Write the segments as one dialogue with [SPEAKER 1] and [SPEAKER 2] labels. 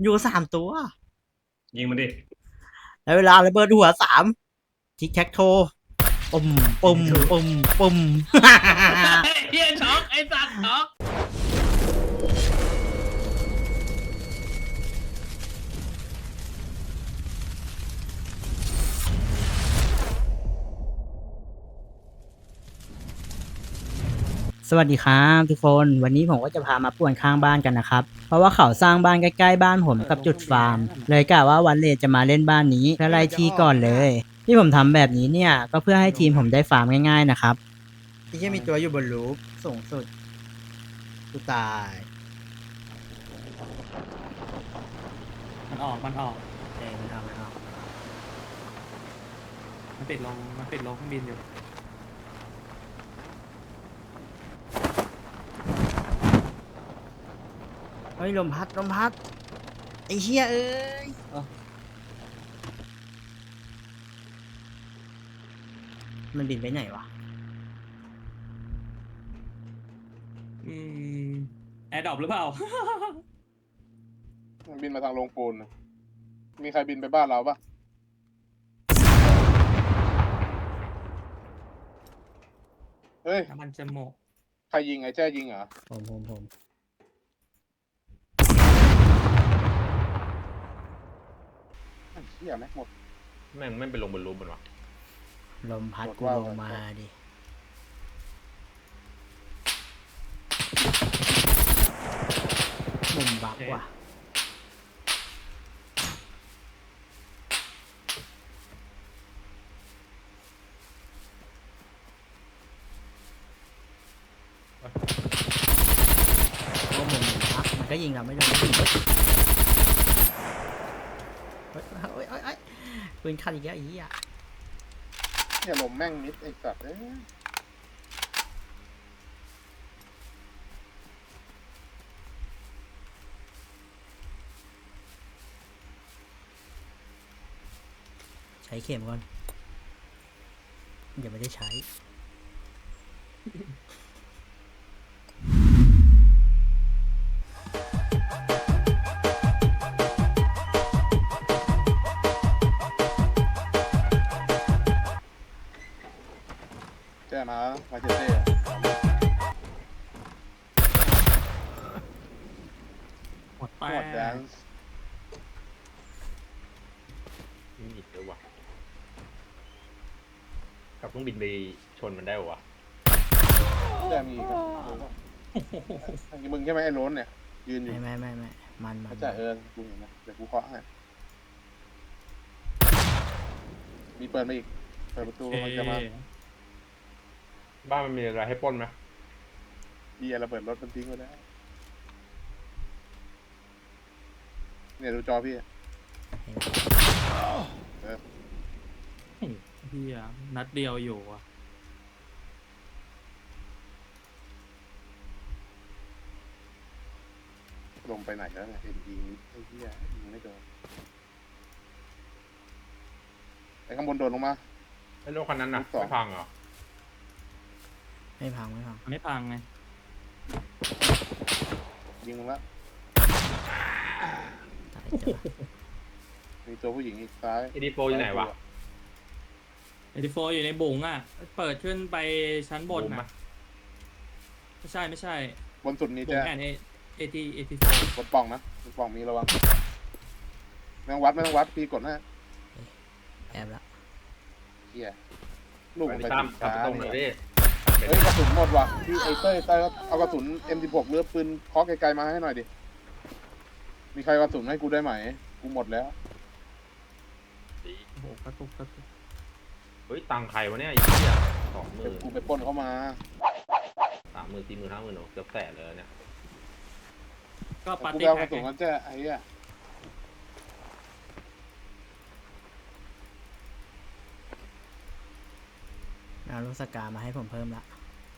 [SPEAKER 1] อยู่3 ตัว
[SPEAKER 2] ยิงมันดิ
[SPEAKER 1] แล้วเวลาระเบิดหัว3ทิกแท็กโทปุ่มปุ่มปุ่มปุ่ม
[SPEAKER 3] เฮียช็อกไอ้สัตว์ช็อก
[SPEAKER 1] สวัสดีครับทุกคนวันนี้ผมก็จะพามาป่วนข้างบ้านกันนะครับเพราะว่าเขาสร้างบ้านใกล้ๆบ้านผมกับจุดฟาร์มเลยกะว่าวันเลทจะมาเล่นบ้านนี้เพื่อไล่ที่ก่อนเลยที่ผมทำแบบนี้เนี่ยก็เพื่อให้ทีมผมได้ฟาร์มง่ายๆนะครับที่จะมีตัวอยู่บนรูฟสูงสุดกูตาย
[SPEAKER 3] มันออกมัน
[SPEAKER 1] ไม่เอาไม่เอา
[SPEAKER 3] มันติดลงเครื่องบินอยู่
[SPEAKER 1] เฮ้ยลมพัดลมพัดไอ้เหี้ยเอ้ยมันบินไปไหนวะ
[SPEAKER 3] อืมแอร์ดรอปหรือเปล่า
[SPEAKER 4] มันบินมาทางโรงปูนน่ะมีใครบินไปบ้านเราปะเฮ้ย
[SPEAKER 3] น้ำมันจะหมก
[SPEAKER 4] ใครยิงไอ้แจ้ยิงเหรอ
[SPEAKER 1] ผม
[SPEAKER 4] ไอ้เหี้ยแม็กหมด
[SPEAKER 2] แม่งไม่ไปลงบนรูปมันวะ
[SPEAKER 1] ลมพัด
[SPEAKER 4] หมด
[SPEAKER 1] กู
[SPEAKER 4] ว่า
[SPEAKER 1] ลงมาดิมุมบักว่ะโอ้มุมบักมันก็ยิงเราไม่โดนเฮ้ยปืนขัดอีกแล้วอีอ่ะ
[SPEAKER 4] เนี่ยลมแม่งมิดไอ้สัตว์เอ้ย
[SPEAKER 1] ใช้เข็มก่อนเดี๋ยวไม่ได้ใช้
[SPEAKER 4] แจ้มาเจเต้
[SPEAKER 3] หมดไป
[SPEAKER 4] หมดแดนซ์
[SPEAKER 2] มีอีกเยอะวะกับเครื่องบินไปชนมันได้ปะวะ
[SPEAKER 4] แจ้มีอีกอะมึงใช่ไหมไอ้โล้นเนี่ยยืนอยู่
[SPEAKER 1] ไม่มัน
[SPEAKER 4] เขาจะกูเห็นนะเดี๋ยวกูเคาะให้มีเปิดมาอีกเปิดประตูมันจะมา
[SPEAKER 2] บ้านมันมีอะไรให้ปล้นไหม
[SPEAKER 4] ดีระเบิดรถมันทิ้งไว้แล้วเนี่ยดูจอพี่เออ
[SPEAKER 3] เฮียนัดเดียวอยู่อ่ะ
[SPEAKER 4] ลงไปไหนแล้วเนี่ยเอ็นยิงไอ้เหี้ยยิงไม่โดนไอ้ข้างบนโดดลงมา
[SPEAKER 2] ไอ้รถคันนั้นน่ะ
[SPEAKER 4] ลูกศร
[SPEAKER 2] ไม่พังเหรอ
[SPEAKER 1] ไม่พัง
[SPEAKER 3] มันไม่พังไง
[SPEAKER 4] ยิงมึงละ
[SPEAKER 1] ตายจ้ะ
[SPEAKER 4] มีตัวผู้หญิงอีกซ้าย
[SPEAKER 2] เอดีโฟอยู่ไหนวะ
[SPEAKER 3] เอทีโฟอยู่ในบุ๋งอ่ะเปิดขึ้นไปชั้นบน
[SPEAKER 2] บูม
[SPEAKER 3] อ่ะ
[SPEAKER 2] ปะ
[SPEAKER 3] ไม่ใช่
[SPEAKER 4] บนสุดนี้
[SPEAKER 3] บุ๋
[SPEAKER 4] จะ
[SPEAKER 3] งแอนเอทีโฟ
[SPEAKER 4] บนปล่องนะบนปล่องมีระวังไม่ต้องวัดพี่กดนะ
[SPEAKER 1] แอบละ
[SPEAKER 4] เฮียลูก
[SPEAKER 2] ไป
[SPEAKER 4] มัน
[SPEAKER 2] ดิ
[SPEAKER 4] ไป
[SPEAKER 2] ตาม
[SPEAKER 4] ติด
[SPEAKER 2] กลับ
[SPEAKER 4] ช้า
[SPEAKER 2] ไปตรงหน่อยดิ
[SPEAKER 4] เฮ้ยกระสุนหมดว่ะพี่ไอเต้ยเอากระสุน M16 หรือปืนเคาะไกลๆมาให้หน่อยดิมีใครกระสุนให้กูได้ไหมกูหมดแล้ว
[SPEAKER 3] โอ้โหกระตุก
[SPEAKER 2] เฮ้ยตังค์ใครวะเนี่ยไอ้เหี้ย20,000
[SPEAKER 4] เดี๋ยวกูไปปล้นเข้ามา
[SPEAKER 2] 30,000 40,000 50,000เกือบแสนเลยเนี่ย
[SPEAKER 3] ก็ปาร์
[SPEAKER 4] กูไป
[SPEAKER 3] ตี้
[SPEAKER 4] เอาก
[SPEAKER 3] แพ็
[SPEAKER 4] ระ
[SPEAKER 3] ก
[SPEAKER 4] สุนกันแจ้ไอ้เหี้ย
[SPEAKER 1] เอาลูกสกามาให้ผมเพิ่มละ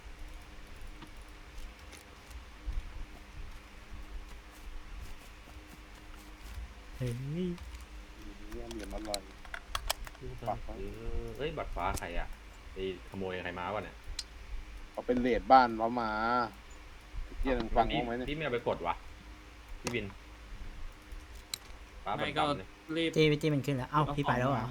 [SPEAKER 1] เฮ้ย
[SPEAKER 4] เนี่ยเหลี่ยมอร่อย ปักไว้
[SPEAKER 2] เฮ้ยบัตรฟ้าใครอะไปขโมยใครมาวะเนี่ย
[SPEAKER 4] เขาเป็นเลดบ้านเขามาเฮียหนึ่งฟัง
[SPEAKER 2] พี่
[SPEAKER 4] เขาไหมเนี่ย
[SPEAKER 2] พี่ไม่เอาไปกดวะพี่บินป้าบั
[SPEAKER 3] ไม่
[SPEAKER 2] น
[SPEAKER 3] ก็
[SPEAKER 2] ดำเนี่ย
[SPEAKER 3] รีบ
[SPEAKER 1] จี้มันขึ้นแล้ว เอ้าพี่ไปแล้วเหรอ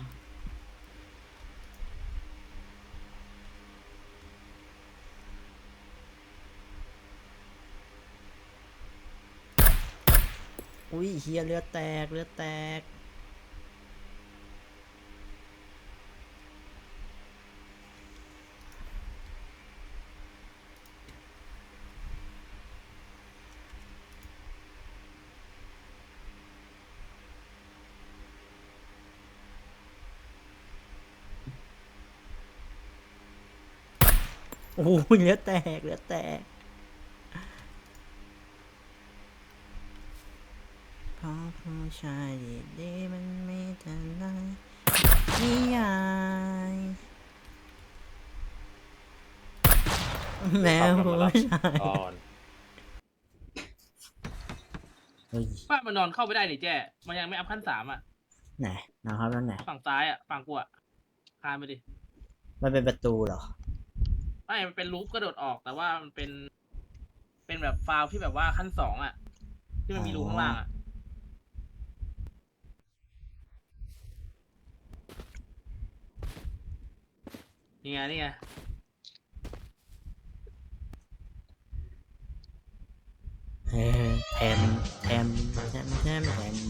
[SPEAKER 1] อุ้ยเฮียเลือดแตกเลือดแตก โอ้โหเลือดแตกเลือดแตกเพราะผู้ชายดีๆมันไม่ทันไรนิยายแล้วผู้ชาย
[SPEAKER 2] ก่อน
[SPEAKER 1] เฮ้ย
[SPEAKER 5] ป้ามันนอนเข้าไม่ได้นี่แจ้มันยังไม่อัพขั้น3อ่ะ
[SPEAKER 1] ไหนนะครับแล้วไหน
[SPEAKER 5] ฝั่งซ้ายอ่ะ ฝั่งกูอ่ะคานไปดิ
[SPEAKER 1] มันเป็นประตูเหรอ
[SPEAKER 5] ไม่มันเป็นลูปกระโดดออก แต่ว่ามันเป็น เป็นแบบฟาวที่แบบว่าขั้น2อ่ะ ที่มันมีรูข้างล่างอ่ะ นี่ไงนี่ไง
[SPEAKER 1] เออแถมแถมแถมแถมแถม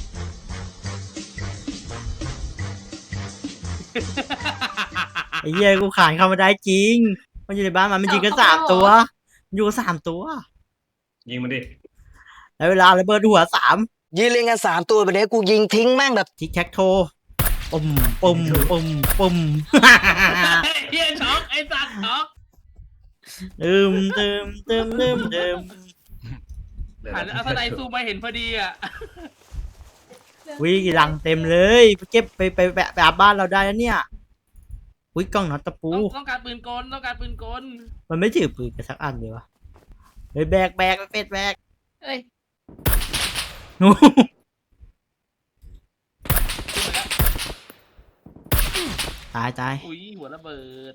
[SPEAKER 1] ไอ้เหี้ยกูขานเข้ามาได้จริง มันอยู่ในบ้านมันยิงกัน3 ตัวมันอยู่กัน3 ตัว
[SPEAKER 2] ยิงมันดิ
[SPEAKER 1] แล้วเวลาระเบิดหัว3
[SPEAKER 6] ยืนเรียงกัน3 ตัวแบบนี้กูยิงทิ้งแม่งแบบ
[SPEAKER 1] ทิกแท็กโทปุ่มปุ่มปุ่มปุ่ม
[SPEAKER 5] เฮียช็อกไอ้สัตว์ช็อก
[SPEAKER 1] ตืมตืมตืมตืมตืม
[SPEAKER 5] หันอัศนัยซูมมาเห็นพอดีอ่ะ
[SPEAKER 1] วิหลังเต็มเลยไปเก็บไปอาบบ้านเราได้แล้วเนี่ยวิกล้องน็อตตะปู
[SPEAKER 5] ต้องการปืนกลต้องการปืนกล
[SPEAKER 1] มันไม่ถือปืนกันสักอันเลยวะเฮ้ยแบกไปเป็ดแบก
[SPEAKER 5] เอ้ย
[SPEAKER 1] นู
[SPEAKER 5] ขึ้นมาแล้ว
[SPEAKER 1] ตายตาย
[SPEAKER 5] อุ้ยหัวระเบิด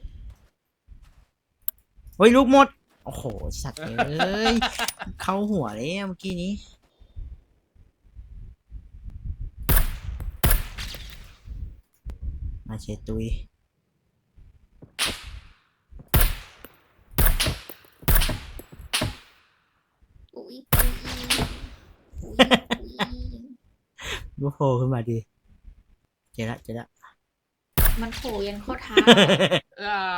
[SPEAKER 1] เฮ้ยลูกหมด โอ้โห สัตว์เอ้ย เข้าหัวเลยเมื่อกี้นี้ มาเชตุย
[SPEAKER 7] อุ๊ยอุ๊ยอุ๊ยอุ๊ย
[SPEAKER 1] ลูกโผล่ขึ้นมาดีเจอละ
[SPEAKER 7] มันโผล่ยันข้อเท้า
[SPEAKER 5] อ่า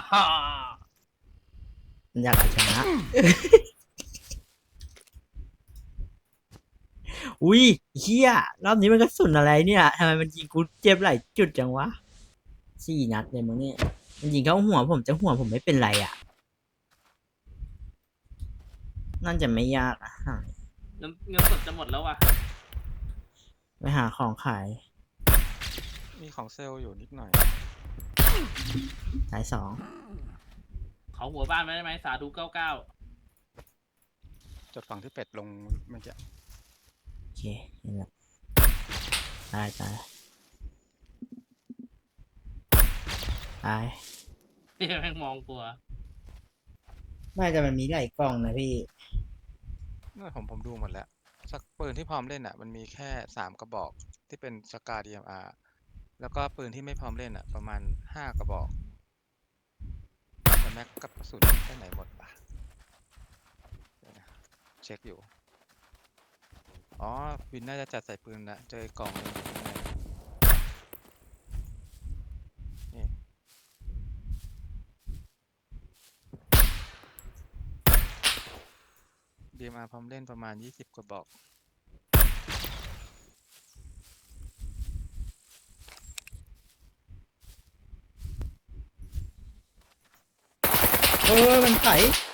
[SPEAKER 1] มันอยากเอาชนะ อุ้ยเฮียรอบนี้มันกระสุนอะไรเนี่ยทำไมมันยิงกูเจ็บหลายจุดจังวะ4 นัดเลยมั้งเนี่ยมันยิงเข้าหัวผมแต่หัวผมไม่เป็นไรอ่ะน่าจะไม่ยากอ่ะ
[SPEAKER 5] เงินสดจะหมดแล้วว่ะ
[SPEAKER 1] ไปหาของขาย
[SPEAKER 8] มีของเซลล์อยู่นิดหน่อย
[SPEAKER 1] สาย
[SPEAKER 5] เขาหัวบ้านไม่ได้ไหมสาธุ99
[SPEAKER 8] จดฝั่งที่เป็ดลงเมื่อกี้
[SPEAKER 1] 2โอเคเห็นแล้วตาย
[SPEAKER 5] นี่แม่งมองกลัว
[SPEAKER 1] ไม่แต่มันมีหลายกล่องนะพี่
[SPEAKER 8] นั่นผมดูหมดแล้ว สักปืนที่พร้อมเล่นอ่ะ มันมีแค่3 กระบอกที่เป็นสกา DMR แล้วก็ปืนที่ไม่พร้อมเล่นอ่ะ ประมาณ5 กระบอกแต่แม็กกับกระสุนไปไหนหมดปะเดี๋ยวนะเช็คอยู่ อ๋อ วินน่าจะจัดใส่ปืนละเจออีกกล่องหนึงอยู่ข้างในนี่ DMR พร้อมเล่นประมาณ20 กระบอก
[SPEAKER 1] มันไถ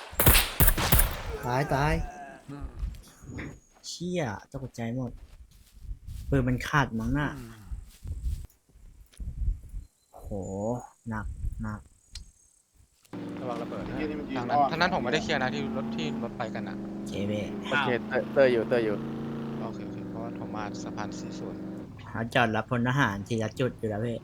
[SPEAKER 1] ตายเชี่ยตกใจหมดปืนมันขาดมั้งน่ะโหหนัก
[SPEAKER 8] ระวังระเบิดนะ
[SPEAKER 4] ไอ้เหี้ยนี่มันยิง
[SPEAKER 8] ทาง
[SPEAKER 4] อ้
[SPEAKER 8] นั้น
[SPEAKER 4] อม
[SPEAKER 8] ทางนั้นผมไม่ได้เคลียร์นะที่รถไปกันนะ
[SPEAKER 1] เจเบ
[SPEAKER 5] โอเค
[SPEAKER 6] เตอร์อยู่
[SPEAKER 8] โอเคเพราะว่าผมมาสะพานสีส่วน
[SPEAKER 1] เขาจอดรับพลทหารทีละจุดอยู่แล้วพี่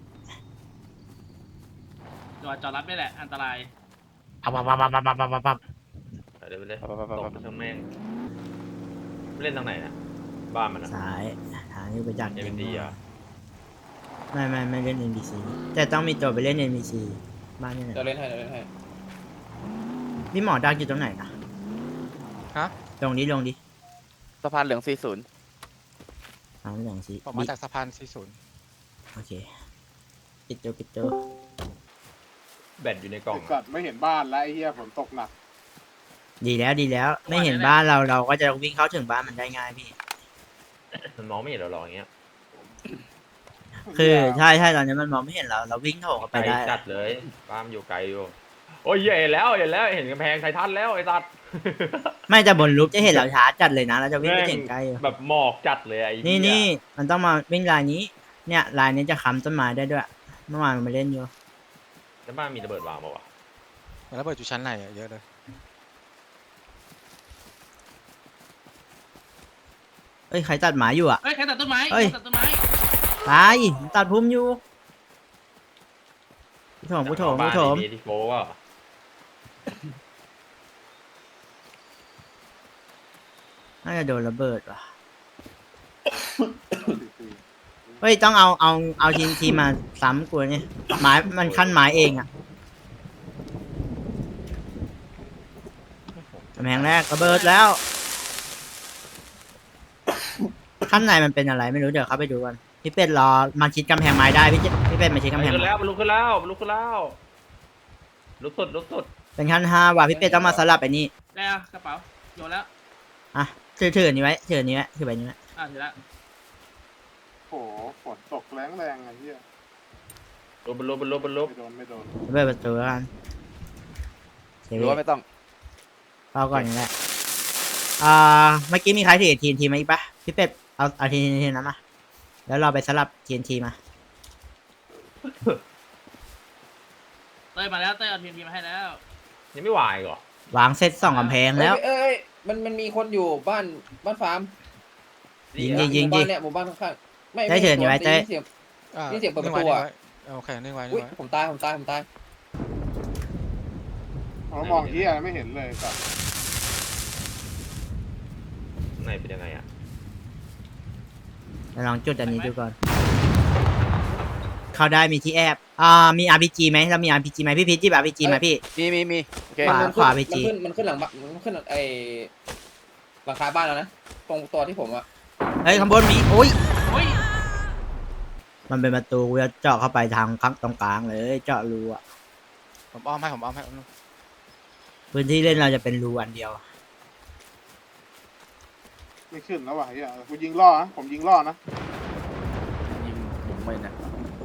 [SPEAKER 5] จอดรับนี่แหละ อันตราย
[SPEAKER 1] ปับ
[SPEAKER 2] เดี๋ยวไปเลยตบมันทั้งแม่งเล่นทางไหนนะบ้านมันอะ
[SPEAKER 1] ซ้ายทางนี่ไปจาก
[SPEAKER 2] เอ็นดีอ่ะ
[SPEAKER 1] ไม่เล่น NPC แต่ต้องมีตัวไปเล่น NPC บ้านนี่ไหน
[SPEAKER 9] เดี๋ยวเล่นให้เดี๋ยวเล่นให้
[SPEAKER 1] พี่หมอดักอยู่ตรงไหนนะ
[SPEAKER 8] ฮะ
[SPEAKER 1] ลงดิ
[SPEAKER 9] สะพานเหลือง 40
[SPEAKER 1] ทางอย่างสิ
[SPEAKER 8] ผมมาจากสะพาน 40
[SPEAKER 1] โอเคปิดโจ
[SPEAKER 2] แบตอยู่ในกล่อง
[SPEAKER 4] ไอ้สัตว์ไม่เห็นบ้านแล้วไอ้เหี้ยฝนตกหนัก
[SPEAKER 1] ดีแล้วไม่เห็นบ้านเราก็จะวิ่งเข้าถึงบ้านมันได้ง่ายพี่
[SPEAKER 2] มันมองไม่เห็นเราหรอกอย่างเงี้ย
[SPEAKER 1] คือใช่ตอนนี้มันมองไม่เห็นเราวิ่งโถเข้าไป
[SPEAKER 2] ไกล
[SPEAKER 1] ได้
[SPEAKER 2] จัดเลยบ้านอยู่ไกลอยู่โอ้ยเห็นแล้วเห็นกำแพงไททันแล้วไอ้สัตว์
[SPEAKER 1] ไม่แต่บนรูปจะเห็นเราช้าจัดเลยนะเราจะวิ่งไปถึงใกล้อยู่
[SPEAKER 2] แบบหมอกจัดเลยไอ้เหี้ย
[SPEAKER 1] นี่มันต้องมาวิ่งลายนี้ เนี่ยลายนี้จะค้ำต้นไม้ได้ด้วยเมื่อวานมันมาเล่นอยู่
[SPEAKER 2] แล้วบ้านมีระเบิดวางเปล่าวะ
[SPEAKER 8] แล้วเปิดอยู่ชั้นไหนอะเยอะเลย
[SPEAKER 1] เอ้ยใครตัดหมาอยู่อ่ะ
[SPEAKER 5] เฮ้ยใครตัดต้นไม้
[SPEAKER 1] เฮ้ย
[SPEAKER 5] ใครตัดต้นไม้
[SPEAKER 1] ตายตัดพุ่มอยู่ผู้ถม
[SPEAKER 2] บ้านดีๆที่โฟว่า
[SPEAKER 1] น่าจะโดนระเบิดว่ะเฮ้ยต้องเอาทีมมาซ้ำกูเนี่ยไม้มันขั้นไม้เองอ่ะกำแพงแรกระเบิดแล้วขั้นในมันเป็นอะไรไม่รู้เดี๋ยวเข้าไปดูกันพี่เป็ดรอมาชิดกำแพงไม้ได้พี่เป็ดมาชิดกำแพง
[SPEAKER 2] ขึ้น
[SPEAKER 1] ไม้
[SPEAKER 2] แล้วมันลุกขึ้นแล้วลุกสุด
[SPEAKER 1] เป็นขั้น5ว่ะพี่เป็ดต้องมาสลับไปนี่
[SPEAKER 5] แล้วกระเป๋าโยนแล้ว
[SPEAKER 1] อ่ะถืออันนี้ไว้ถืออันนี้ไว้ถือใบนี้ไว้
[SPEAKER 5] ถือแล้ว
[SPEAKER 4] โอ้โหฝนตกแรงไอ้เหี้ย
[SPEAKER 2] บนลุก
[SPEAKER 4] ไม่โดน
[SPEAKER 1] เปิดประตูแล้วกันเสีย
[SPEAKER 9] หรือว่าไม่ต้อง
[SPEAKER 1] เข้าก่อนนี่แหละเมื่อกี้มีใครถือทีมาอีกปะพี่เป็ดเอาทีนั้นมาแล้วเราไปสลับทีมา
[SPEAKER 5] เต้ยมาแล้วเต้ยเอาทีมมาให้แล้ว
[SPEAKER 2] ยังไม่วายเหรอ
[SPEAKER 1] วางเซต2กำแพงแล้ว
[SPEAKER 9] เอ้ยมันมีคนอยู่บ้านฟาร์ม
[SPEAKER 1] ยิง
[SPEAKER 9] หมู่บ้านเนี่ยหมู่บ้านข้างๆไม่
[SPEAKER 1] ได้เชิญอยู่ไว้
[SPEAKER 9] ได้
[SPEAKER 1] เต้
[SPEAKER 9] ยินเสียง นี่เสียงเปิดประตูอะ
[SPEAKER 8] โอเคนิ่งไว้
[SPEAKER 9] อุ้ยผมตาย
[SPEAKER 4] เรามองเหี้ยไม่เห็นเลยสัตว์
[SPEAKER 2] ข้างในเป็นยังไงอ่ะ
[SPEAKER 1] เดี๋ยวลองจุดอันนี้ดูก่อน เข้าได้มีที่แอบมี RPG ไหมเรามี RPG ไหมพี่พีชจิบ RPG ไหมพี่
[SPEAKER 9] มีโอเค
[SPEAKER 1] ขวาไปจี
[SPEAKER 9] มันขึ้นหลังบ้านมันขึ้นไอหลังคาบ้านแล้วนะตรงตัวที่ผมอะ
[SPEAKER 1] เฮ้ยข้างบนมีโอ้ย
[SPEAKER 5] เฮ้ย
[SPEAKER 1] มันเป็นประตูกูจะเจาะเข้าไปทางข้างตรงกลางเลยเจาะรูอ่ะ
[SPEAKER 8] ผมอ้อมให้
[SPEAKER 1] พื้นที่เล่นเราจะเป็นรูอันเดียว
[SPEAKER 4] ไม่ขึ้นแล้วว่ะไอ้เหี้ยกูยิงล่อนะผมยิงล่อนะ
[SPEAKER 9] ยิงผมไม่นะ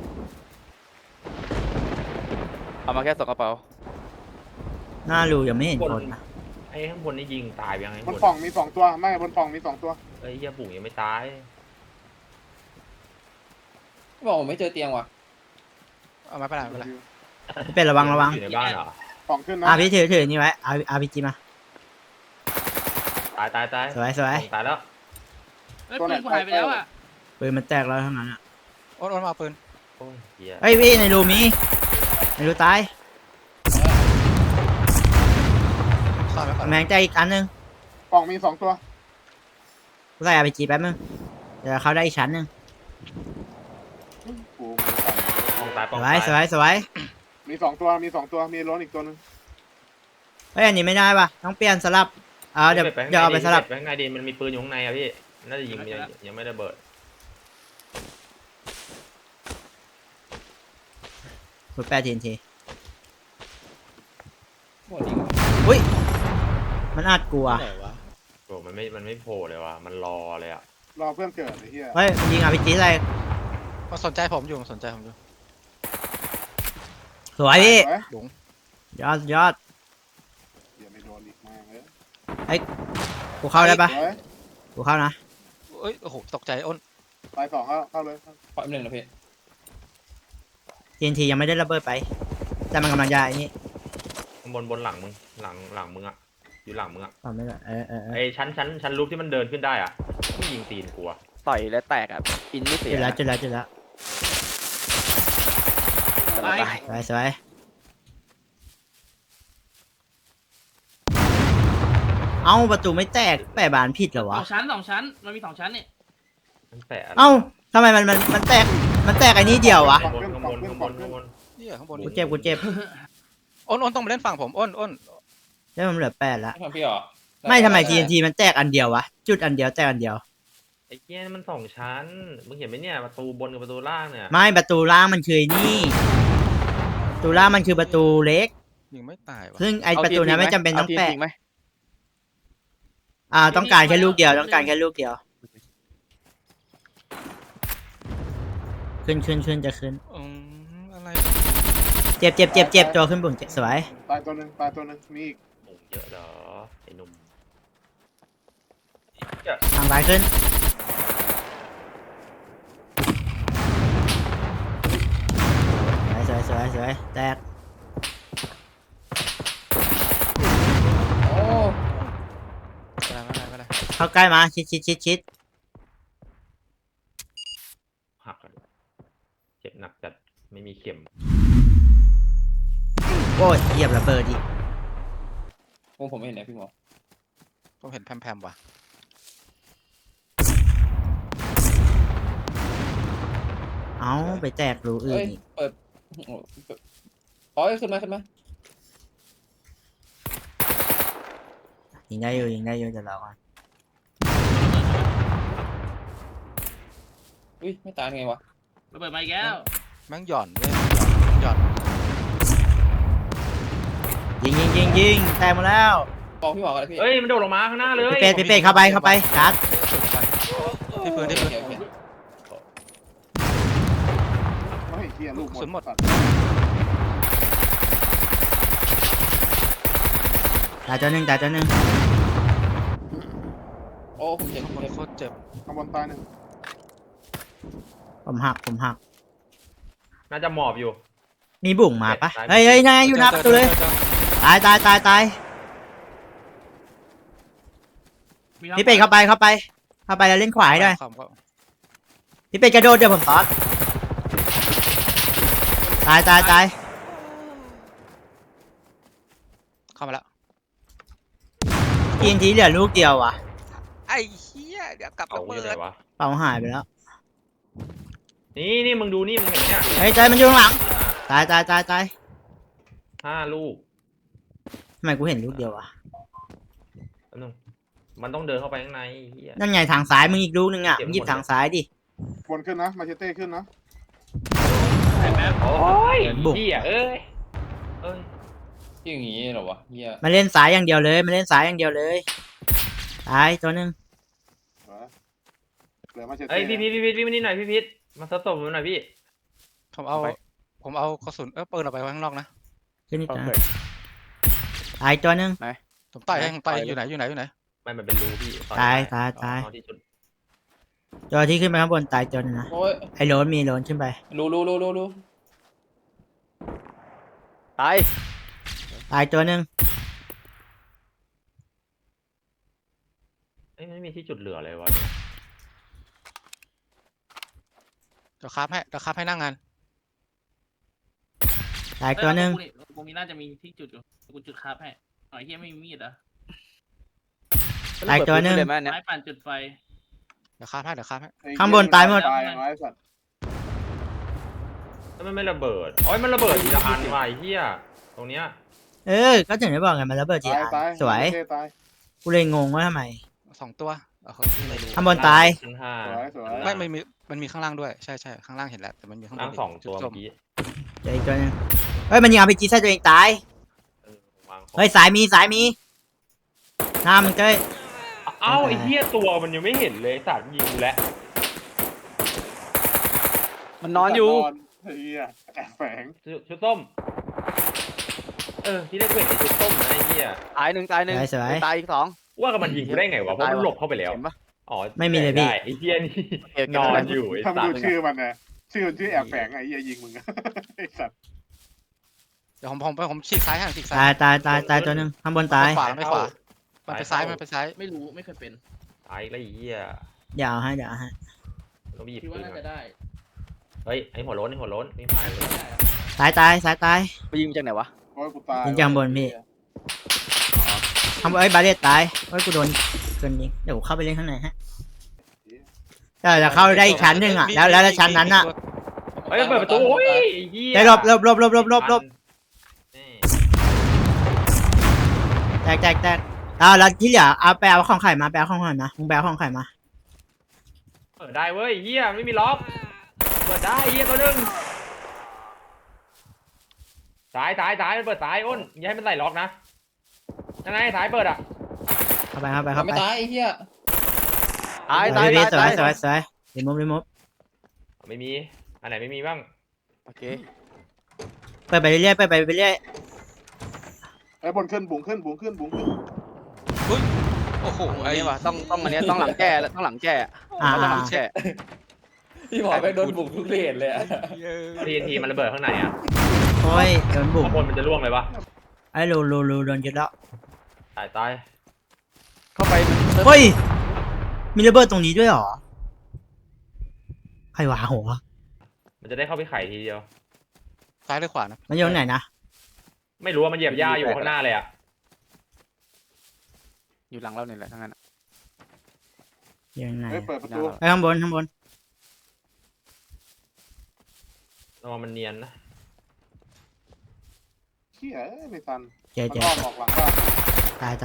[SPEAKER 9] เอามาแค่2กระเป๋า
[SPEAKER 1] หน้ารูยังไม่เห็นคนนะ
[SPEAKER 2] ไอ้ข้างบนนี่ยิงตายไปยังไง
[SPEAKER 4] บนปล่องมี2ตัวไม่บนปล่องมี2ตัว
[SPEAKER 2] ไอ้เหี้ยปุ่งยังไม่ตาย
[SPEAKER 9] บอกผมไม่เจอเตียงว่ะ
[SPEAKER 8] เอามาไปไหน
[SPEAKER 1] พี่เป็ดระวัง
[SPEAKER 2] อยู่ในบ้านเหรอ
[SPEAKER 4] ปล่องขึ้นนะ
[SPEAKER 1] พี่ถือนี่ไว้เอา RPG มา
[SPEAKER 2] ตาย
[SPEAKER 1] สวย
[SPEAKER 2] ตายแล้ว
[SPEAKER 5] เฮ้ยปืนกูหายไปแล้วอ่ะ
[SPEAKER 1] ปืนมันแตกแล้วทั้งนั้นอ่ะ
[SPEAKER 8] อ้นมาเอาปืน
[SPEAKER 2] โอ้ยเหี้ย
[SPEAKER 1] เฮ้ยพี่ในรูมีในรูตาย
[SPEAKER 8] ซ่อนไว้ก่อน
[SPEAKER 1] กำแพงแตกอีกอันนึง
[SPEAKER 4] ปล่องมี2ตัว
[SPEAKER 1] กูใส่ RPG แป๊บนึงเดี๋ยวเข้าได้อีกชั้นนึง
[SPEAKER 4] กู
[SPEAKER 2] ปองตายป
[SPEAKER 1] ส
[SPEAKER 2] อง
[SPEAKER 1] ว
[SPEAKER 2] ตาย
[SPEAKER 1] สวย
[SPEAKER 4] มี2ตัวมีล้นอีกตัวนึง
[SPEAKER 1] เฮ้ยอันนี้ไม่ได้ป่ะต้องเปลี่ยนสลับเดี๋ยวเอาไปสลับ
[SPEAKER 2] ไปข้างในดิมันมีปืนอยู่ข้างในอ่ะพี่น่าจะยิงยังไม่ได้เบิด
[SPEAKER 1] ขุดแปดที
[SPEAKER 9] หมดจริง
[SPEAKER 1] มันอัดกูอ่ะ
[SPEAKER 8] ไหนวะ
[SPEAKER 2] โอ้มันไม่โผล่เลยว่ะมันรอเลยอ่ะ
[SPEAKER 4] รอเพื่อนเกิดไอ้เหี้ย
[SPEAKER 1] เฮ้ยมันยิงRPG อะไร
[SPEAKER 8] มันสนใจผมอยู่
[SPEAKER 1] สวยพี่
[SPEAKER 4] เฮ้ย
[SPEAKER 1] ยอด
[SPEAKER 4] อย่าไม่โดนอีกมากเลย
[SPEAKER 1] กูเข้าได้ปะ
[SPEAKER 4] เฮ้ย
[SPEAKER 1] กูเข้านะ
[SPEAKER 8] เอ้ยโอ้โหตกใจอ้น
[SPEAKER 4] ตาย2เข้าเลย
[SPEAKER 9] ขออีกหนึ่งนะพี่
[SPEAKER 1] TNT ยังไม่ได้ระเบิดไป แต่มันกำลังจะไอ้นี่
[SPEAKER 2] ข้างบนหลังมึงหลังมึงอ่ะอยู่หลังมึงอ่ะ
[SPEAKER 1] ต่อไม่ได้
[SPEAKER 2] ไอ้ชั้นรูปที่มันเดินขึ้นได้อ่ะไม่ยิงตีนกูอ่ะ
[SPEAKER 9] ต่อยและแตกอ่ะอินไม่เสีย
[SPEAKER 1] จุดแล้ว
[SPEAKER 5] ไป
[SPEAKER 1] สวยเอ้าประตูไม่แตกแปะบานผิดเหรอวะ
[SPEAKER 5] 2 ชั้นมันมี2 ชั้นเนี่ย
[SPEAKER 2] มันแตะอะไร
[SPEAKER 1] เอ้าทำไมมันแตกไอ้นี่เดียววะ
[SPEAKER 2] ข้างบนข้างบนข้างบนข้างบน
[SPEAKER 8] เหี้ยข้างบน
[SPEAKER 1] กูเจ็บ
[SPEAKER 8] อ้นต้องมาเล่นฝั่งผมอ้น
[SPEAKER 1] ได้มันเหลือ8ละ
[SPEAKER 9] ไม่ทำพี่เหรอ
[SPEAKER 1] ไม่ทำไม TNT มันแตกอันเดียววะจุดอันเดียวแตกอันเดียว
[SPEAKER 2] ไอ้เกี้ยมัน2 ชั้นมึงเห็นไหมเนี่ยประตูบนกับประตูล่างเนี่ย
[SPEAKER 1] ไม่ประตูล่างมันคือไอ้นี่ประตูล่างมันคือประตูเล็ก
[SPEAKER 8] ยิงไม่ตายวะ
[SPEAKER 1] ซึ่งไอประตูนั้นไม่จำเป็นต้องแปะ
[SPEAKER 6] าทีมจริงไหม
[SPEAKER 1] ต้องการแค่ลูกเดียวต้องการแค่ลูกเดียว ขึ้นจะขึ้น
[SPEAKER 8] อะไร
[SPEAKER 1] เจ็บตัวขึ้นบุ๋งสวย
[SPEAKER 4] ตายตัวหนึ่งมีอีก
[SPEAKER 2] หมูเยอะเหรอไอ้หนุ่ม
[SPEAKER 1] ทางซ้ายขึ้นสวยแตก
[SPEAKER 9] โอ้
[SPEAKER 8] ไม่ได้
[SPEAKER 1] เข้าใกล้มาชิด
[SPEAKER 2] หักกันเจ็บหนักจัดไม่มีเข็ม
[SPEAKER 1] โอ้ยเหยียบระเบิดอีก
[SPEAKER 9] ผมไม่เห็นนะพี่หมอ
[SPEAKER 8] ผมเห็นแพมว่ะ
[SPEAKER 1] เอาไปแตกรูอื่น
[SPEAKER 9] เอ้ย
[SPEAKER 1] อีก
[SPEAKER 9] เปิดโอ้เปิดอ๋อขึ้นมา
[SPEAKER 1] ยิงได้อยู่เดี๋ยวเราก่อน
[SPEAKER 9] อุ้ยไม่ตายไงวะ
[SPEAKER 5] ระเบิดมาอีกแล้ว
[SPEAKER 8] แม่งหย่อนเว้ยหย่อน
[SPEAKER 1] ยิงแตกหมดแล้ว
[SPEAKER 9] บอกพี่หมอกันเลยพี่
[SPEAKER 2] เอ้ยมันโดดลงมาข้างหน้าเลย
[SPEAKER 1] พี่เป็ดเข้าไปชาร์จ
[SPEAKER 8] ที่ปืน
[SPEAKER 9] โอเค
[SPEAKER 4] ไม่เฮียลูกหมดสัตว์
[SPEAKER 1] ตายตัวหนึ่ง
[SPEAKER 9] โอ้ผมเจ็บ
[SPEAKER 8] ข้างบนโคตรเจ็บ
[SPEAKER 4] ข้างบนตายหนึ่ง
[SPEAKER 1] ผมหัก
[SPEAKER 2] น่าจะหมอบอยู่
[SPEAKER 1] มีบุ๋งมาปะเฮ้ยนายอยู่หน้าประตูเลยตายพี่เป็ดเข้าไปแล้วเล่นขวาให้ด้วย
[SPEAKER 8] ความก็
[SPEAKER 1] พี่เป็ดกระโดดเดี๋ยวผมตอดตาย
[SPEAKER 8] เข้ามาแล้ว
[SPEAKER 1] TNT เหลือลูกเดียวว่ะ
[SPEAKER 8] ไอ้เหี้ยเดี๋ยวกลับ
[SPEAKER 2] เอา
[SPEAKER 8] ระ
[SPEAKER 2] อ
[SPEAKER 8] เบิ
[SPEAKER 2] ยู่ไหน
[SPEAKER 8] ด
[SPEAKER 2] วะ
[SPEAKER 1] เป่าหายไปแล้ว
[SPEAKER 2] นี่มึงดูนี่มึงเห็นเนี่ย
[SPEAKER 1] เฮ้ยใจมันอยู่ข้างหลังตาย
[SPEAKER 2] 5 ลูก
[SPEAKER 1] ทำไมกูเห็นลูกเดียววะ
[SPEAKER 2] แป๊บนึงมันต้องเดินเข้าไปข้างในเหี้ย
[SPEAKER 1] นั่นไงทางซ้ายมึงอีกลูกนึงอ่ะ
[SPEAKER 2] เก็บหมด
[SPEAKER 1] มึงหยิบทางซ้ายดิ
[SPEAKER 4] บนขึ้นนะมาเชเต้ขึ้นนะ
[SPEAKER 2] โอ้ย
[SPEAKER 1] บุก
[SPEAKER 2] เหี้ยเอ้ย
[SPEAKER 9] ที่อย่างงี้เหรอวะเฮีย
[SPEAKER 1] มาเล่นซ้ายอย่างเดียวเลยตายตัวหนึง
[SPEAKER 4] เหลือมาเชเต้
[SPEAKER 2] เอ้ยพี่มานี่หน่อยพี่พิษมาสตบผมหน่อยพี่
[SPEAKER 8] ผมเอากระสุนปืนออกไปไว้ข้างนอกนะ
[SPEAKER 1] ขึ้นอีกนะตายตัวหนึง
[SPEAKER 8] ผมไต่ให้ผมไต่อยู่ไหน
[SPEAKER 2] ไม่มันเป็นรูพี่
[SPEAKER 1] ตาย
[SPEAKER 2] เอาที่จุด
[SPEAKER 1] ตัวที่ขึ้นไปข้างบนตายตัวหนึงนะ
[SPEAKER 9] โอ้ย
[SPEAKER 1] ไอ้โรนมีโรนขึ้นไป
[SPEAKER 9] รู้
[SPEAKER 6] ตาย
[SPEAKER 1] ตายตัวหนึง
[SPEAKER 2] เอ้ยไม่มีที่จุดเหลือเลยวะ
[SPEAKER 8] เดี๋ยวคราฟให้นั่งงาน
[SPEAKER 1] ตายตัวหนึง
[SPEAKER 5] กูมีน่าจะมีที่จุดอยู่กูจุดคาบให้หน่อยเฮียไม่มีมีดเหรอ
[SPEAKER 1] ตายตัวหนึง
[SPEAKER 6] เลยไหมอันเนี่ย
[SPEAKER 5] ไม้ปั่นจุดไฟ
[SPEAKER 8] เดี๋ยวคราฟให้
[SPEAKER 1] ข้างบนตายหมด
[SPEAKER 4] ตายไม้สัตว์
[SPEAKER 2] แล้วมันไม่ระเบิดโอ้ยมันระเบิดทีละอันว่ะไอ้เหี้ยตรงเนี้ย
[SPEAKER 1] ก็ถึงได้บอกไงมันระเบิดจี
[SPEAKER 4] ตาย
[SPEAKER 1] สวย
[SPEAKER 4] เชเต้ตาย
[SPEAKER 1] กูเลยงงว่าทำไม
[SPEAKER 8] 2 ตัวไม่รู้
[SPEAKER 1] ข้างบนตาย
[SPEAKER 2] ชั้นห้า
[SPEAKER 4] สวย
[SPEAKER 8] ไม่มันมีข้างล่างด้วยใช่ข้างล่างเห็นแล้วแต่มันมีข้างบ
[SPEAKER 2] ทั้
[SPEAKER 8] น
[SPEAKER 2] ง2 ตัว
[SPEAKER 8] จุด
[SPEAKER 2] เมื่อกี้
[SPEAKER 1] เดี๋ยวอีกตัวหนึงเฮ้ยมันยิงRPG ใส่ตัวเองตาย
[SPEAKER 2] วางของ
[SPEAKER 1] เฮ้ยสายมีหน้ามึงเจ้ย
[SPEAKER 2] เอ้าไอ้เหี้ยตัวมันยังไม่เห็นเลยสัตว์ยิงกูแล้ว
[SPEAKER 6] มันนอนอยู่
[SPEAKER 4] เฮียแอบแฝง
[SPEAKER 2] ชุดส้มที่แรกกูเห็นไอ้ชุดส้มนะไอ้เหี้ย
[SPEAKER 6] ตายหนึ่งตายหนึ่ง
[SPEAKER 1] สวย
[SPEAKER 6] ตายอีก 2
[SPEAKER 2] ว่ากับมันยิงกูได้ไงวะเพราะมันหลบเข้าไปแล้ว
[SPEAKER 6] เห็นปะ
[SPEAKER 2] อ๋อ
[SPEAKER 1] ไม่มีเลยพี่
[SPEAKER 2] ด้ไอ้เหี้ยนี่
[SPEAKER 6] โอเคน
[SPEAKER 2] อนอยู่ไอ้
[SPEAKER 4] ทำ
[SPEAKER 2] สั
[SPEAKER 4] ดู
[SPEAKER 2] ตว์
[SPEAKER 4] ชื่อมันนะชื่อแอบแฝงไอ้เฮียยิงมึงไอ้สัตว์
[SPEAKER 8] เดี๋ยวผมฉีกซ้ายให้ฉีกซ้า
[SPEAKER 1] ตายตัวหนึงข้างบนตาย
[SPEAKER 8] ไม่ขวามันไปซ้าย
[SPEAKER 5] ไม่รู้ไม่เคยเป็น
[SPEAKER 2] ตายแล้วไอ้เหี้ย
[SPEAKER 1] เดี๋ยวเอาให้
[SPEAKER 2] ต้องไปหยิบ
[SPEAKER 5] คิด
[SPEAKER 2] ปื
[SPEAKER 5] ว่าน น่า
[SPEAKER 2] มา
[SPEAKER 5] จะได้
[SPEAKER 2] เฮ้ยไอ้หัวโล้นไม่พายเลย
[SPEAKER 1] ตายสายตาย
[SPEAKER 6] ไปยิงจากไหนวะ
[SPEAKER 4] โอ้ยกูตาย
[SPEAKER 1] ยิงจากบนพี่ ข้างบนบาเรียตายเฮ้ยกูโดนเกินยิงเดี๋ยวกูเข้าไปเล่นข้างในฮะแต่จะเข้าได้อีกชั้นหนึ่งอ่ะแล้วชั้นนั้นอ่ะ
[SPEAKER 2] เฮ้ยเปิดประตูโอ้ยไอ้เหี้ย
[SPEAKER 1] ได้ลบ
[SPEAKER 2] นี่
[SPEAKER 1] แตกแล้วที่เหลือเอาไปเอาของไข่มาไปเอาของไข่มามึงไปเอาของไข่มา
[SPEAKER 2] เปิดได้เว้ยเหี้ยไม่มีล็อกเปิดได้เหี้ยตัวหนึงสายมันเปิดสายอ้นอย่าให้มันไหลล็อกนะยังไงสายเปิดอ่ะ
[SPEAKER 1] เข้าไป
[SPEAKER 9] ไม่ตายไอ้เหี้ย
[SPEAKER 6] ตาย
[SPEAKER 1] ส
[SPEAKER 6] ตาย
[SPEAKER 1] วย
[SPEAKER 6] ตาย
[SPEAKER 1] สวยรีมูฟ
[SPEAKER 2] ไม่มีอันไหนไม่มีบ้าง
[SPEAKER 6] โอเค
[SPEAKER 1] เปิดไปเรื่อย
[SPEAKER 4] ไอ้บนขึ้นบุ๋งขึ้น
[SPEAKER 8] โอ้โห
[SPEAKER 6] อัน
[SPEAKER 8] ไอ้
[SPEAKER 6] นี้ว่ะต้องอันเนี้ยต้องหลังแก้แล้วต้องหลังแก้
[SPEAKER 1] อ่า
[SPEAKER 6] ต้องหลังแก้
[SPEAKER 9] พี่บอกไปโดนบุกทุกเลนเลยอะ
[SPEAKER 2] ทีมันระเบิดข้างในอ่ะ
[SPEAKER 1] โอ้ยโดนบุก
[SPEAKER 2] ข้างบนมันจะร่วงเลยปะ
[SPEAKER 1] ไอ้รูโดนยึดแล้ว
[SPEAKER 2] ตาย
[SPEAKER 6] เข้าไป
[SPEAKER 1] เฮ้ยมีระเบิดตรงนี้ด้วยเหรอใครวะหัว
[SPEAKER 2] มันจะได้เข้าไปไข่ทีเดียว
[SPEAKER 8] ซ้ายหรือขวานะ
[SPEAKER 1] มันอยู่ตรงไหนนะ
[SPEAKER 2] ไม่รู้ว่ามันเหยียบหญ้าอยู่ข้างหน้าเลยอ่ะ
[SPEAKER 6] อยู่หลังเราเนี่ยแหละทั้งนั้น
[SPEAKER 1] อยู่ตรงไหน
[SPEAKER 4] เฮ้ยเปิดประตู
[SPEAKER 1] ไปข้างบน
[SPEAKER 2] ระวังมันเนียนนะ
[SPEAKER 4] เหี้ยไม่ทัน
[SPEAKER 1] เจ๊
[SPEAKER 4] มันอ้อมออกหลังบ้าน
[SPEAKER 1] ตาย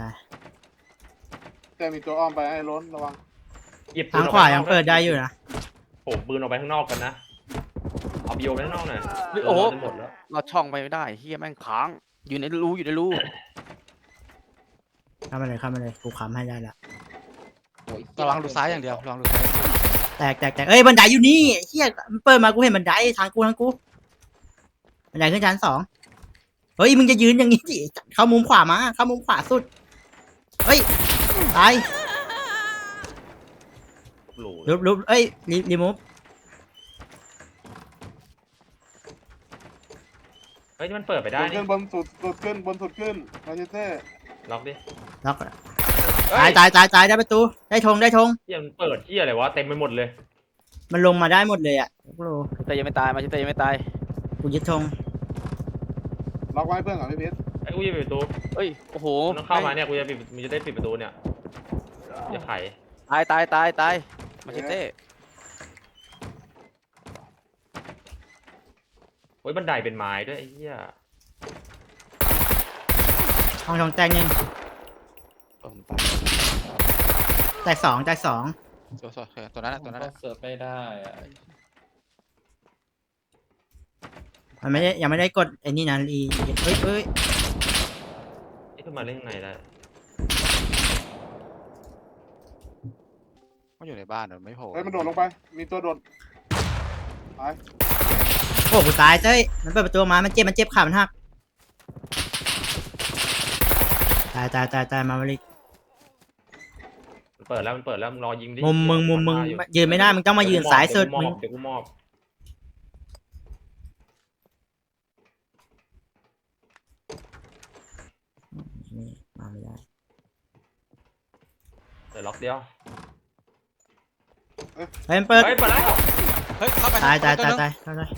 [SPEAKER 4] แต่มีตัวอ้อมไปให้ล้นระวัง
[SPEAKER 2] หยิบปื
[SPEAKER 1] ทาน ง
[SPEAKER 2] ออก
[SPEAKER 1] ขวา
[SPEAKER 2] ไป
[SPEAKER 1] ยังเปิดได้อยู่นะ
[SPEAKER 2] โอ้ปืนออกไปข้างนอกกันนะเอาบิโอไปข้างนอกหน่อย
[SPEAKER 6] โอ้โห
[SPEAKER 2] จะหมดแล้ว
[SPEAKER 6] เราช่องไปไม่ได้เฮียแม่งค้างอยู่ในรู
[SPEAKER 1] เข้ามาเลยกูค้ำให้ได้ละ
[SPEAKER 8] ระวังดูซ้ายอย่างเดียวระวังดูซ้าย
[SPEAKER 1] แตกเอ้ยบันไดอยู่นี่เฮียมันเปิดมากูเห็นบันไดทางกูบันไดขึ้นชั้น2เฮ้ยมึงจะยืนอย่างนี้ดิเข้ามุมขวามาเข้ามุมขวาสุดเฮ้ยตาย
[SPEAKER 2] หลู
[SPEAKER 1] ลุบเอ้ยรีมูฟ
[SPEAKER 2] เฮ้ยนี่มันเปิดไปได้
[SPEAKER 4] บน
[SPEAKER 2] นี่
[SPEAKER 4] ขึ้นบนสุดขึ้นมาเชเต้
[SPEAKER 2] ล็อกดิ
[SPEAKER 1] ล็อก
[SPEAKER 2] เฮ้
[SPEAKER 1] ตายได้ประตูได้ธง
[SPEAKER 2] เหี้ยมันเปิดที่อะไรวะเต็มไปหมดเลย
[SPEAKER 1] มันลงมาได้หมดเลยอ่ะกู
[SPEAKER 6] แต่ยังไม่ตายมาชิเตยังไม่ตาย
[SPEAKER 1] กูยึดธง
[SPEAKER 4] ล็อกไว้เพื่อนก่อนพี่เพชร
[SPEAKER 2] ไอ้กูจะปิดประตู
[SPEAKER 6] เอ้ยโอ้โห
[SPEAKER 2] มันต้องเข้ามาเนี่ยกูจะปิดมันจะได้ปิดประตูเนี่ยอย่าไข
[SPEAKER 6] ตายมาชิเต้
[SPEAKER 2] เฮ้ยบันไดเป็นไม้ด้วยไอ้เหี้ย
[SPEAKER 1] ห้องธงแตก1แตก2
[SPEAKER 8] ตัวนั้นตัวนั้น
[SPEAKER 9] เสิร์ฟไม่ได้อะ
[SPEAKER 1] มันไม่ได้ยังไม่ได้กดไอ้นี่นะเฮ้ย
[SPEAKER 2] ไอ้ขึ้นมาเล่นยังไงได้
[SPEAKER 8] มันอยู่ในบ้านมันไม่โผล่
[SPEAKER 4] เฮ้ยมันโดดลงไป มีตัวโดดตาย
[SPEAKER 1] โอ้กูตายเต้ยมันเปิดประตูมามันเจ็บขามันหักตายมาลิ
[SPEAKER 2] มันเปิดแล้วมึงรอยิงดิ
[SPEAKER 1] มุมมึงยืนไม่ได้มึงต้องมายืนสายสุดมึง
[SPEAKER 2] เดี๋ยวกูมอบ
[SPEAKER 1] นี่มาไม่ได้
[SPEAKER 2] เดี๋ยวล็อกเดียว
[SPEAKER 1] เฮ้ยมันเปิด
[SPEAKER 2] เฮ้ยเปิดแล้ว
[SPEAKER 8] เฮ้ยเข้าไป
[SPEAKER 1] ตาย
[SPEAKER 8] เข้าไป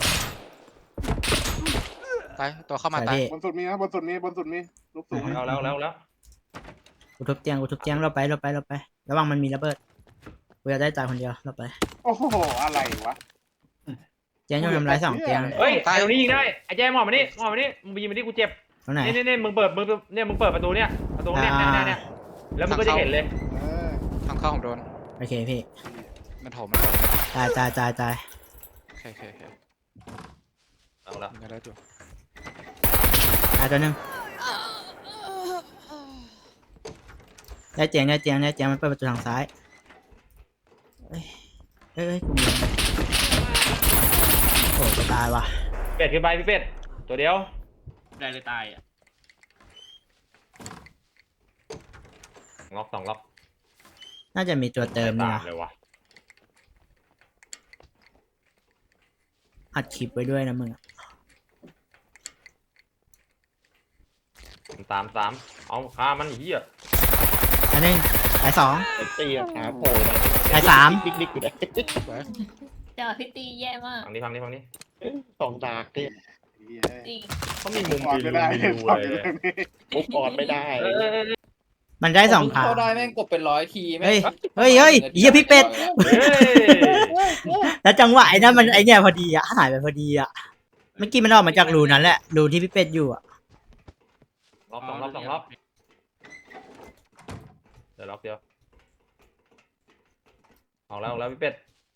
[SPEAKER 8] ตัวเข้ามาตาย
[SPEAKER 1] พี่
[SPEAKER 4] บนสุดมีนะบนสุดมีลูกสูง
[SPEAKER 2] แล้ว
[SPEAKER 1] กูทุบเตียงเราไประวังมันมีระเบิดกูจะได้ตายคนเดียวเราไป
[SPEAKER 4] โอ้โหอะไรวะ
[SPEAKER 1] เตียงจะทำร้าย2เตียง
[SPEAKER 2] เฮ้ยไอ้ตรงนี้ยิงได้ไอ้แจ้มอบมานี่มึงไปยิงมาดิกูเจ็บ
[SPEAKER 1] ตรงไหน
[SPEAKER 2] นี่มึงเปิดประตูเนี่ยเนี่ยแล้วมึงก็จะเห็นเลย
[SPEAKER 4] เออ
[SPEAKER 8] ทางเข้าของโดน
[SPEAKER 1] โอเคพี่
[SPEAKER 8] มันโถม
[SPEAKER 1] ตาย
[SPEAKER 8] โอเค
[SPEAKER 2] เอาละ
[SPEAKER 8] มันก็แล้วอยู่
[SPEAKER 1] ตายตัวหนึงได้เตียงมันเปิดประตูทางซ้ายเอ้ยกูมีโอ้จะตายว่ะ
[SPEAKER 2] เป็ดขึ้นไปพี่เป็ดตัวเดียว
[SPEAKER 5] ได้เลยตายอ่ะ
[SPEAKER 2] ล็อก2ล็อก
[SPEAKER 1] น่าจะมีตัวเติมนี่นะ
[SPEAKER 2] เลยวะ
[SPEAKER 1] อัดคลิปไว้ด้วยนะมึง
[SPEAKER 2] ตามเอาฆ่ามันเหี้ย
[SPEAKER 1] อันนึงตาย2
[SPEAKER 2] ตีขาโผล่
[SPEAKER 1] ตาย3
[SPEAKER 2] ดิกอยู่ได้
[SPEAKER 7] เดี๋ยวพี่ตีแย่มาก
[SPEAKER 2] ฟังนี้
[SPEAKER 10] สองดากเนี่ย
[SPEAKER 4] เหี้ย
[SPEAKER 7] จริง
[SPEAKER 2] เขามีมุม
[SPEAKER 4] ปอด
[SPEAKER 2] มี
[SPEAKER 4] ไม่
[SPEAKER 2] รู
[SPEAKER 4] ได้
[SPEAKER 2] มีรู
[SPEAKER 4] ปอด
[SPEAKER 2] เล
[SPEAKER 4] อยู่
[SPEAKER 2] ย
[SPEAKER 4] ตรงนี้
[SPEAKER 10] มุกออนไม่ได้
[SPEAKER 1] มันได้สอง
[SPEAKER 9] ผม
[SPEAKER 1] ทาง
[SPEAKER 9] เข้าได้แม่งกดเป็น100 ทีแม่ง
[SPEAKER 1] เฮ้ยเฮ้ยเฮ้ยเหี้ยพี่เป็ด
[SPEAKER 2] เฮ้ย
[SPEAKER 1] แล้วจังหวะไอ้นั่นมันไอ้เนี่ยพอดีอะหายไปพอดีอะเมื่อกี้มันออกมาจากรูนั้นแหละรูที่พี่เป็ดอยู่อะ
[SPEAKER 2] ล็อกสองรอบเดี๋ยวล็อกเดียวออกแล้วพี่เป็ด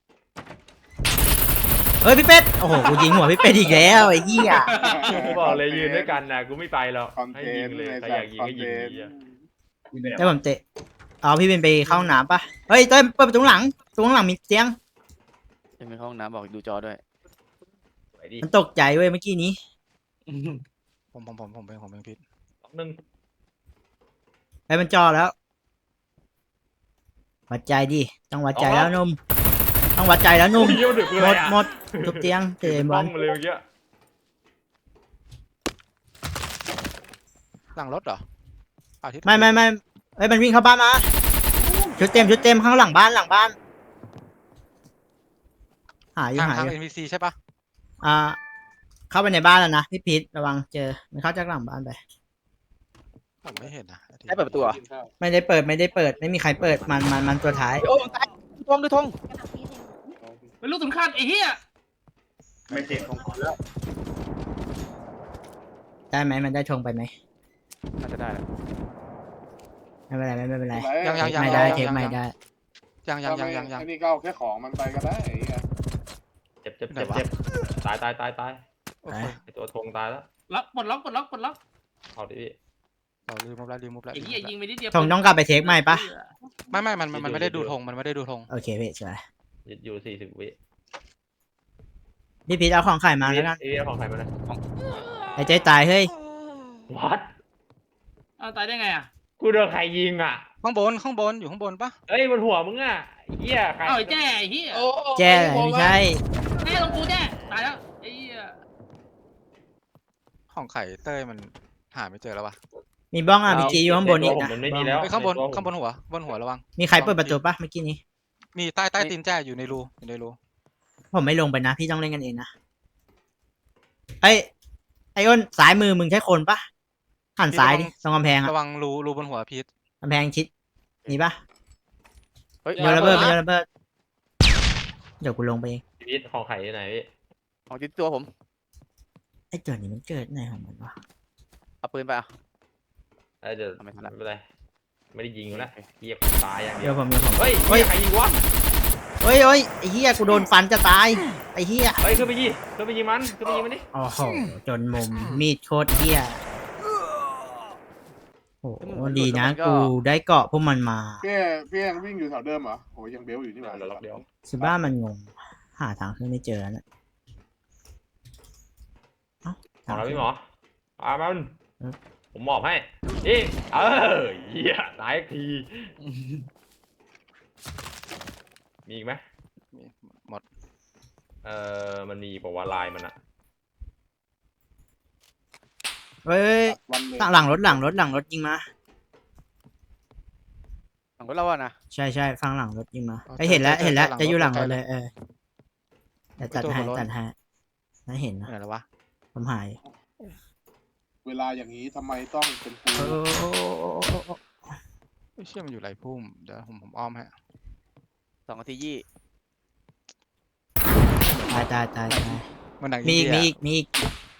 [SPEAKER 1] เฮ้ยพี่เป็ดโอ้โหกูยิงหัวพี่เป็ดอีกแล้วไอ้เหี้ย
[SPEAKER 2] กูบอกเลยยืนด้วยกันนะกูไม่ไปหรอก
[SPEAKER 4] คอน
[SPEAKER 2] ให้
[SPEAKER 4] เท
[SPEAKER 2] ยิ
[SPEAKER 4] น
[SPEAKER 2] ง
[SPEAKER 4] ต์
[SPEAKER 2] เลย
[SPEAKER 4] ใน
[SPEAKER 2] ใคร
[SPEAKER 4] สั
[SPEAKER 2] อ
[SPEAKER 4] ต
[SPEAKER 2] ยาก
[SPEAKER 4] ว์
[SPEAKER 2] ยิง
[SPEAKER 4] คอน
[SPEAKER 2] ก็
[SPEAKER 4] เท
[SPEAKER 2] ยิง
[SPEAKER 4] นต์
[SPEAKER 2] ดีอะ
[SPEAKER 1] แล้วผมเตะเอาพี่เป็นไปเข้าห้องน้ำปะเฮ้ยเต้ยเปิดประตูหลังประตูข้างหลังมีเตียง
[SPEAKER 6] ยังมีห้องน้ำบอกดูจอด้วย
[SPEAKER 2] ไปดิ
[SPEAKER 1] มันตกใจเว้ยเมื่อกี้นี้
[SPEAKER 8] ผมเป็นพิษ
[SPEAKER 2] ล็อกหนึ่ง
[SPEAKER 1] ไปมันจอแล้ววัดใจดิต้องวัดใจแล้วนุ่มต้องวัดใจแล้วนุ่ม
[SPEAKER 2] เยี่ยวดึกเลย
[SPEAKER 1] หมดทุบเตียงเตะบ
[SPEAKER 2] บ้
[SPEAKER 1] อ
[SPEAKER 2] อ
[SPEAKER 1] ล
[SPEAKER 2] งมาเลยเมื่อกี้
[SPEAKER 8] หลังรถเหรออาทิตย์
[SPEAKER 1] ไม่เฮ้ยมันวิ่งเข้าบ้านมาชุดเต็มข้างหลังบ้านหาอยู่
[SPEAKER 8] ทาง
[SPEAKER 1] หา
[SPEAKER 8] ทาง
[SPEAKER 1] อยู่
[SPEAKER 8] NPC ใช่ปะ
[SPEAKER 1] เข้าไปในบ้านแล้วนะพี่พีทระวังเจอมันเข้าจากหลังบ้านไป
[SPEAKER 8] ผมไม่เห็นนะ
[SPEAKER 6] ให้เปิดประตูเหรอ
[SPEAKER 1] ไม่ได้เปิดไม่มีใครเปิดมันตัวท้าย
[SPEAKER 6] โอ้ตายทงดูทง
[SPEAKER 5] เป็นลูกสำคัญไอ้เหี้ย
[SPEAKER 6] ไม่เสียทงแล้ว
[SPEAKER 1] ได้ไหมมันได้ธงไปไหม
[SPEAKER 6] น่าจะได้แล้ว
[SPEAKER 1] ไม่เป็นไร
[SPEAKER 8] ยัง
[SPEAKER 1] ไม่ได้เทคไม่ได้
[SPEAKER 8] ยัง
[SPEAKER 4] ไอ้นี่ก็เอาแค่ของมันไปก็ได้ไอ้เหี้ย
[SPEAKER 2] เจ็บตาย
[SPEAKER 8] โอเค
[SPEAKER 2] ไอตัวธงตายแล้ว
[SPEAKER 5] ปลดล็อก
[SPEAKER 2] เอาดิพี่
[SPEAKER 8] เราลืมมุบแล้ว
[SPEAKER 5] ไอ้เหี้ยยิงไปนิดเดียว
[SPEAKER 1] ธงต้องกลับไปเทคใหม่ปะ
[SPEAKER 8] ไม่มันไม่ได้ดูธงมันไม่ได้ดูธง
[SPEAKER 1] โอเคพี่สวย
[SPEAKER 2] ยึดอยู่40 วิ
[SPEAKER 1] พี่พีทเอาของขายมาแล้วกัน
[SPEAKER 2] เอ้ยของใครมาเลย
[SPEAKER 1] ไอ้ใจตายเฮ้ย
[SPEAKER 2] วัด
[SPEAKER 5] เอาตายได้ไงอ่ะ
[SPEAKER 2] กูโดนใครยิงอ่ะ
[SPEAKER 8] ข้างบนอยู่ข้างบนปะ
[SPEAKER 2] เอ้ยบนหัวมึงอ่ะเหี้ยใคร
[SPEAKER 5] เอาไอ้แจ้ไอ้เหี้ย
[SPEAKER 9] โอ้
[SPEAKER 1] แจ้ไม่ใช่
[SPEAKER 5] แจ้ลงกูแจ้ตายแล้วไอ้เหี้ย
[SPEAKER 8] ของไข่เต้ยมันหาไม่เจอแล้ววะ
[SPEAKER 1] มีบ้องอ่ะมีจีอยู่ข้างบนอีก
[SPEAKER 2] ผม
[SPEAKER 1] นะ
[SPEAKER 2] มันไม่มีแล้ว
[SPEAKER 8] ไอ้ข้างบนหัวระวัง
[SPEAKER 1] มีใครเปิดประตูปะเมื่อกี้นี้
[SPEAKER 8] มีใต้ตีนแจ้อยู่ในรู
[SPEAKER 1] ผมไม่ลงไปนะพี่ต้องเล่นกันเองนะไอ้อ้นสายมือมึงใช้คนปะหันซ้ายดิตรงกำแพงอะ
[SPEAKER 8] ระวังรูบนหัวพีท
[SPEAKER 1] กำแพงชิดมีปะ
[SPEAKER 6] เฮ้ย
[SPEAKER 1] โยนระเบิดเดี๋ยวกูลงไปเอง
[SPEAKER 2] ชีวิตของใครที่ไหนพี่
[SPEAKER 6] ของจิตตัวผม
[SPEAKER 1] ไอ้เกิดนี่มันเกิดไหนของมันวะ
[SPEAKER 6] เอาปืนไปอ่ะ
[SPEAKER 2] เดี๋ยว
[SPEAKER 6] เอาไม่ทั
[SPEAKER 2] ไม่
[SPEAKER 6] นละ
[SPEAKER 2] เป็นไรไม่ได้ยิงอยู่แล้วเหี้ยตายอย่างเดี
[SPEAKER 1] เดี๋
[SPEAKER 2] ย
[SPEAKER 1] ยว วผม
[SPEAKER 2] เฮ้ยใครยิงวะ
[SPEAKER 1] เฮ้ยไอ้เหี้ยกูโดนฟันจะตายไอ้เหี้ย
[SPEAKER 2] เฮ้ยขึ้นไปยิงมันดิ
[SPEAKER 1] โอ้โหจนมุมมีดโคตรเหี้ยโอ้โหดีนะกูได้เกาะพวกมันมา
[SPEAKER 4] พี่ยังวิ่งอยู่แถวเดิมเหรอโหยังเบลอยู่นี่หว่า
[SPEAKER 2] เดี๋ยวล็อกเดียว
[SPEAKER 1] สิบ้ามันงงหาทางขึ้นไม่เจอแล้วนะเอ้า
[SPEAKER 2] ของเราพี่หมออามัน
[SPEAKER 1] อืม
[SPEAKER 2] ผมมอบให้นี่เหี้ยตายอีกทีมีอีกไหม
[SPEAKER 8] มีหมด
[SPEAKER 2] มันมีบอกว่าลายมันอะ
[SPEAKER 1] เฮ้ย
[SPEAKER 4] วันเลย
[SPEAKER 1] หลังรถยิงมา
[SPEAKER 6] ของเราอะนะ
[SPEAKER 1] ใช่ฟังหลังรถยิงมาไอยเห็นแล้วจะอยู่หลังรถเลยเดี๋ยวตัดให้น่าเห็นนะ
[SPEAKER 8] ไหนแล้ววะ
[SPEAKER 1] ผมหาย
[SPEAKER 4] เวลาอย่างนี้ทำไมต้องเป็นกู
[SPEAKER 8] เชื่อมันอยู่ไหลพุ่มเดี๋ยวผมอ้อมให้
[SPEAKER 6] 2 นาทียี่
[SPEAKER 1] ตาย
[SPEAKER 8] มันหนัง
[SPEAKER 1] มีอีก
[SPEAKER 8] เดีย
[SPEAKER 1] มีอีก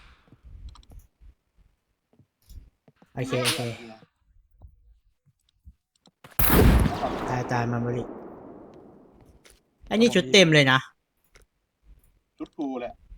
[SPEAKER 1] โอเคตายมาบริไอ้นี่ชุดเต็มเลยนะ
[SPEAKER 4] ชุดกูแหละ